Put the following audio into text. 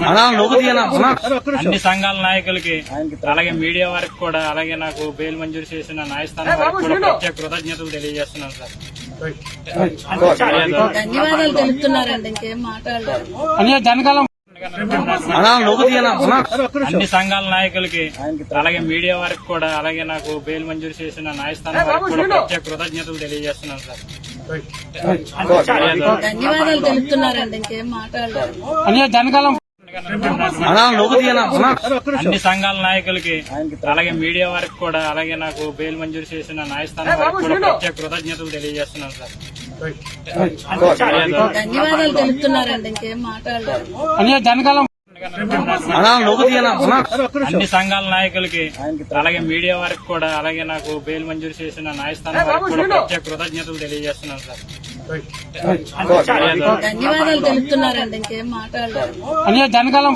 అన్ని సంఘాల నాయకులకి అలాగే మీడియా వారికి కూడా అలాగే నాకు బెయిల్ మంజూరు చేసిన న్యాయస్థానం వారికి కూడా ప్రత్యేక కృతజ్ఞతలు తెలియజేస్తున్నాను సార్. ధన్యవాదాలు తెలుపుతున్నారండి. ఇంకేం మాట్లాడలేదు. అన్ని సంఘాల నాయకులకి అలాగే మీడియా వారికి కూడా అలాగే నాకు బెయిల్ మంజూరు చేసిన న్యాయస్థానం వారికి కూడా ప్రత్యేక కృతజ్ఞతలు తెలియజేస్తున్నాను సార్. ధన్యవాదాలు తెలుపుతున్నారండి. ఇంకేం మాట్లాడలేదు. అన్ని సంఘాల నాయకులకి అలాగే మీడియా వారికి కూడా అలాగే నాకు బెయిల్ మంజూరు చేసిన న్యాయస్థానం వారికి కూడా ప్రత్యేక కృతజ్ఞతలు తెలియజేస్తున్నాను సార్. ధన్యవాదాలు తెలుపుతున్నారండి. ఇంకేం మాట్లాడలేదు. అన్ని సంఘాల నాయకులకి అలాగే మీడియా వారికి కూడా అలాగే నాకు బెయిల్ మంజూరు చేసిన న్యాయస్థానం వారికి కూడా ప్రత్యేక కృతజ్ఞతలు తెలియజేస్తున్నాను సార్. ధన్యవాదాలు తెలుపుతున్నారండి. ఇంకేం మాట్లాడలేదు.